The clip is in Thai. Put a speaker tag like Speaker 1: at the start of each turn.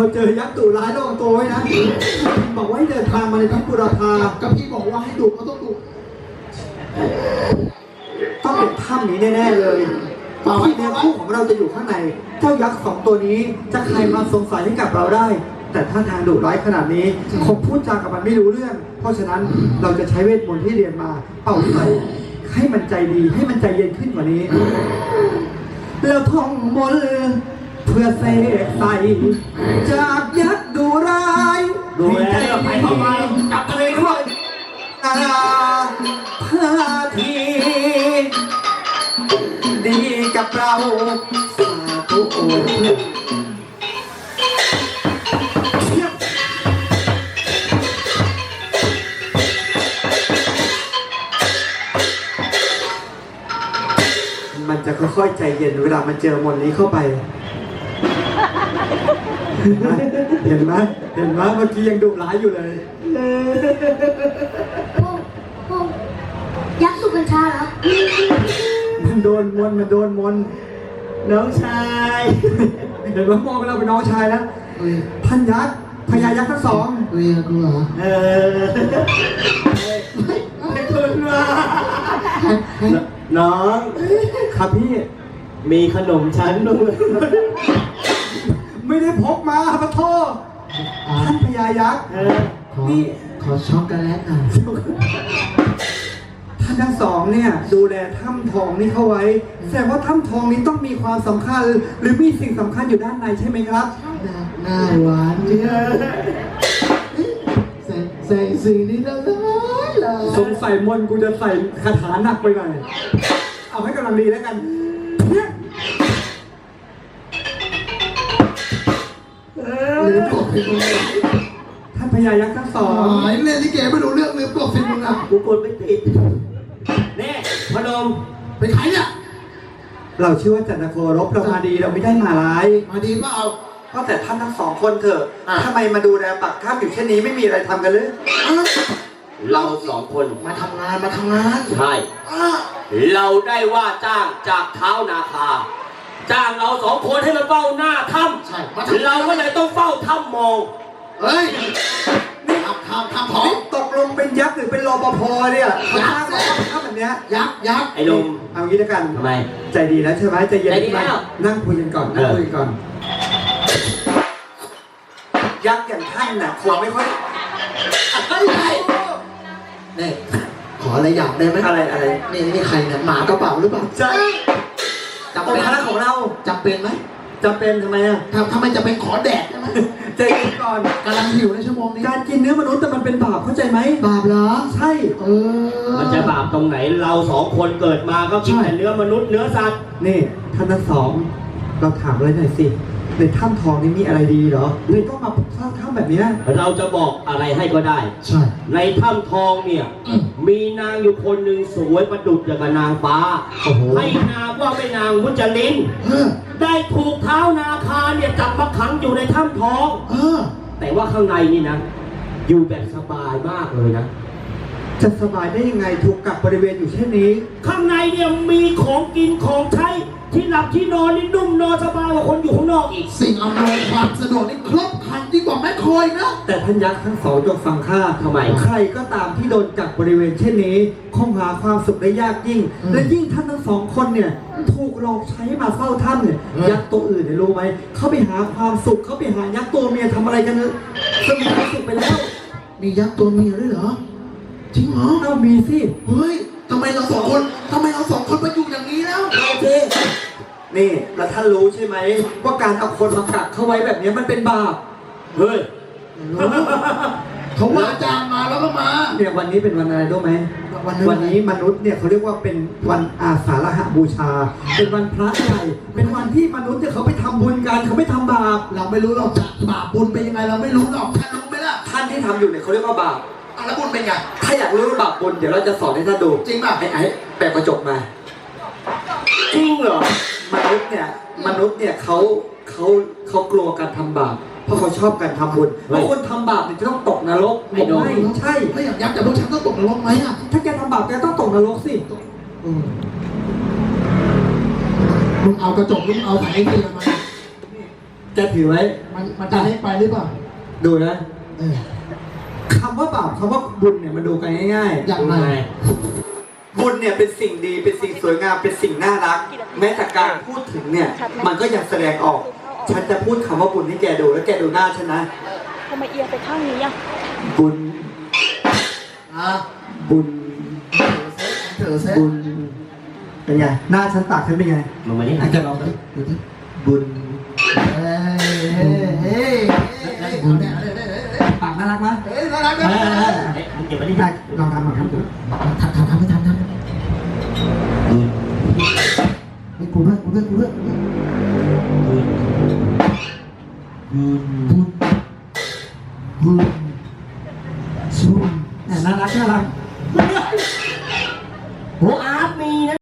Speaker 1: เจอยักษ์ดุร้ายระวังตัวไว้นะบอกว่าให้เดินทางมาในทัพบุรพา
Speaker 2: ก็พี่บอกว่าให้ดุก็ต้องดุ
Speaker 1: ต้องเป็นถ้ำนี้แน่ๆเลยที่เนื้อคู่ของเราจะอยู่ข้างในเจ้ายักษ์2ตัวนี้จะใครมาสงสัยให้กับเราได้ แต่ถ้าทางดุร้ายขนาดนี้คงพูดจากับมันไม่รู้เรื่องเพราะฉะนั้นเราจะใช้เวทมนต์ที่เรียนมาเป่าใส่ให้มันใจดีให้มันใจเย็นขึ้นกว่านี้แล้วท่องมนต์เพื่อเสกใส่จากยักษ์ดุร้าย
Speaker 3: ดูแลไปเข้ามาจับตัวเองด้วย
Speaker 1: พาทีดีกับเราสาธุโอมันจะค่อยๆใจเย็นเวลามันเจอมนต์นี้เข้าไปเห็นไหมเมื่อกี้ยังดุร้ายอยู่เลย
Speaker 4: ยักษ์สุกัญชาเหรอ
Speaker 1: มันโดนมนน้องชายเดี๋ยวมองเราเป็นน้องชายแล้วพันยักษ์พญายักษ์ทั้งสอง
Speaker 2: เรียกกูเหรอ
Speaker 1: ไม่ทุนว่าน้องครับพี่
Speaker 3: มีขนมชั้นด้วย
Speaker 1: ไม่ได้พกมาพระโทษท่านพญายักษ์
Speaker 2: นี่ขอช็อกโกแลตหน่อย
Speaker 1: ท่านทั้งสองเนี่ยดูแลถ้ำทองนี้เข้าไว้แสดงว่าถ้ำทองนี้ต้องมีความสำคัญหรือมีสิ่งสำคัญอยู่ด้านในใช่ไหมครับ
Speaker 2: หน้าหวานเนี่ยใส่สีนี้แล้ว
Speaker 1: สงสัยมนกูจะใส่คาถาหนักไปหน่อยเอาให้กำลังดีแล้วกัน
Speaker 2: ลืมกดฟิล์ม
Speaker 1: ท่านพญายักษ์ทั้งสอง
Speaker 2: เล่นลิเกไม่รู้เรื่องลืมกดฟิล์มนะ
Speaker 3: กูกดไม่ติดนี่พนม
Speaker 2: เป็นใครเนี่ย
Speaker 1: เราชื่อว่าจันทโครบเรามาดีเราไม่ได้มาร้าย
Speaker 2: มาดีเปล่า
Speaker 1: ก็แต่ท่านทั้งสองคนเถอะทำไมมาดูแลปักถ้ำอยู่เช่นนี้ไม่มีอะไรทำกันเลย
Speaker 3: เราสองคน
Speaker 2: มาทำงาน
Speaker 3: ใช่เราได้ว่าจ้างจากเท้านาคาจ้างเราสองคนให้มาเฝ้าหน้าถ้ำ
Speaker 2: ใช่
Speaker 3: เราก็เลยต้องเฝ้าถ้ำมอง
Speaker 2: เฮ้ยนี่ทำของ
Speaker 1: ตกลงเป็นยักษ์หรือเป็นรปภเนี่ยยักษ์ถ้ำแบบเนี้ย
Speaker 2: ยักษ์
Speaker 3: ไอ้ลม
Speaker 1: เอางี้แล้วกัน
Speaker 3: ทำไม
Speaker 1: ใจดีแล้วใช่ไหมใจเย็นนั่งคุยกันก่อนยักษ์อย่างท่านน่ะคงไม่ค่อย
Speaker 2: นี่ขออะไรอยากได้ไหม
Speaker 1: อะไร
Speaker 2: นี่ใครเนี่ยหมากระเป๋าหรือเปล่า
Speaker 1: ใช่
Speaker 2: จำเป็น
Speaker 1: ของเรา
Speaker 2: จำเป็นไหม
Speaker 1: จำเป็นทำไมอ่ะ
Speaker 2: ทำไมจะเป็นขอแดดใช่ไหม
Speaker 1: ใจเย็นก่อน
Speaker 2: กำลังหิวในชั่วโมงนี้
Speaker 1: การกินเนื้อมนุษย์แต่มันเป็นบาปเข้าใจไหม
Speaker 2: บาปเหรอ
Speaker 1: ใช่
Speaker 3: มันจะบาปตรงไหนเราสองคนเกิดมาก็กินแต่เนื้อมนุษย์เนื้อสัตว์
Speaker 1: นี่ท่านทั้งสองเราถามเลยหน่อยสิในถ้ำทองนี้มีอะไรดีเหรอเลยต้องมาสร้างถ้ำแบบนี้
Speaker 3: เราจะบอกอะไรให้ก็ได้
Speaker 2: ใช่
Speaker 3: ในถ้ำทองเนี่ยมีนางอยู่คนหนึ่งสวยประดุจอย่างกับนางฟ้าให้นามว่าไม่นางมุจลินได้ถูกเท้านาคาเนี่ยจับมาขังอยู่ในถ้ำทองแต่ว่าข้างในนี่นะอยู่แบบสบายมากเลยนะ
Speaker 1: จะสบายได้ยังไงถูกกักบริเวณอยู่เช่นนี้
Speaker 3: ข้างในเนี่ยมีของกินของใช้ที่หลับที่นอนนี่นุ่มนอนสบายกว่าคนอยู่ข้างนอกอีก
Speaker 2: สิ่งอำนวยความสะดวกนี่ครบครันยิ่งกว่าแม่คอยนะ
Speaker 1: แต่ท่านยักษ์ทั้งสองจงฟังข้า
Speaker 3: ทำไม
Speaker 1: ใครก็ตามที่โดนกักบริเวณเช่นนี้คงหาความสุขได้ยากยิ่งและยิ่งท่านทั้งสองคนเนี่ยถูกหลอกใช้มาเฝ้าถ้ำเนี่ยยักษ์ตัวอื่นเนี่ยรู้ไหมเขาไปหาความสุขเขาไปหายักษ์ตัวเมียทำอะไรกันเนี่ยก็มีความสุขไปแล้ว
Speaker 2: มียักษ์ตัวเมียด้วยเหรอจริงเหรอ
Speaker 1: มีสิ
Speaker 2: เฮ้ยทำไมเราสองคนมาอยู่อย่างนี้แล้ว
Speaker 1: นี่แล้วท่านรู้ใช่ไหมว่าการเอาคนมากักเข้าไว้แบบนี้มันเป็นบาป
Speaker 3: เฮ้ย
Speaker 2: เขาว่าจ้างมาแล้วก็มา
Speaker 1: เนี่ยวันนี้เป็นวันอะไรรู้ไหมวันนี้มนุษย์เนี่ยเขาเรียกว่าเป็นวันอาสาฬหบูชาเป็นวันพระใหญ่เป็นวันที่มนุษย์เนี่ยเขาไปทำบุญกันเขาไม่ทำบาป
Speaker 2: เราไม่รู้หรอกบาปบุญเป็นยังไงเราไม่รู้หรอกท่านรู้ไหมล่ะ
Speaker 1: ท่านที่ทำอยู่เนี่ยเขาเรียกว่าบาป
Speaker 2: แล้วบุญเป็นไง
Speaker 1: ถ้าอยากรู้บาปบุญเดี๋ยวเราจะสอนให้ท่านดู
Speaker 2: จริงป่ะ
Speaker 1: ไอ้แปะกระจกมา
Speaker 3: จริงเหรอ
Speaker 1: มนุษย์เนี่ยเขากลัวการทำบาปเพราะเขาชอบการทำบุญเพราะคนทำบาปเนี่ยจะต้องตกนรก
Speaker 3: ไม่
Speaker 1: ใช่
Speaker 2: ไม่อยากยักษ์แต่พวกฉันต้องตกนรกไหมอ่ะ
Speaker 1: ถ้าแกทำบาปแกต้องตกนรกสิ
Speaker 2: มึงเอากระจกมึงเอาสายเกลือมา
Speaker 1: จะถือไว้
Speaker 2: มันจะเล็กไปหรือเปล่า
Speaker 1: ดูนะ
Speaker 2: เออ
Speaker 1: คำว่าบาปคำว่าบุญเนี่ยมันดูกันง่าย
Speaker 2: อย่างไร
Speaker 1: ๆบุญเนี่ยเป็นสิ่งดีเป็นสิ่งสวยงามเป็นสิ่งน่ารัก แม้แต่การพูดถึงเนี่ยมันก็ยังแสดงออก ฉันจะพูดคำว่าบุญให้แกดูแล้วแกดูหน้าฉันนะ
Speaker 4: ทำไมเอียงไปข้างนี้อ่ะ
Speaker 1: บุญ
Speaker 2: อ่ะ
Speaker 1: บุญ
Speaker 2: เถอะเซ็ต
Speaker 1: บุญเป็นไงหน้าฉันตากฉันเป็นไง
Speaker 3: มึงมานี่
Speaker 1: อาจจะลองดูดูที่บุญ
Speaker 2: เฮ้ยเฮ้ยบุญเนี่ย
Speaker 1: ปากน่ารักมั้ย
Speaker 2: เฮ้ยน่ารักนะ
Speaker 3: เอ๊ะมึงเก็บไว้ดิ
Speaker 1: ได้ลองทำลองทำดู
Speaker 2: ทำไม่ทำไม่กูด้วยบุญบุญสู้
Speaker 1: น่ารักน่ารัก
Speaker 2: โหอา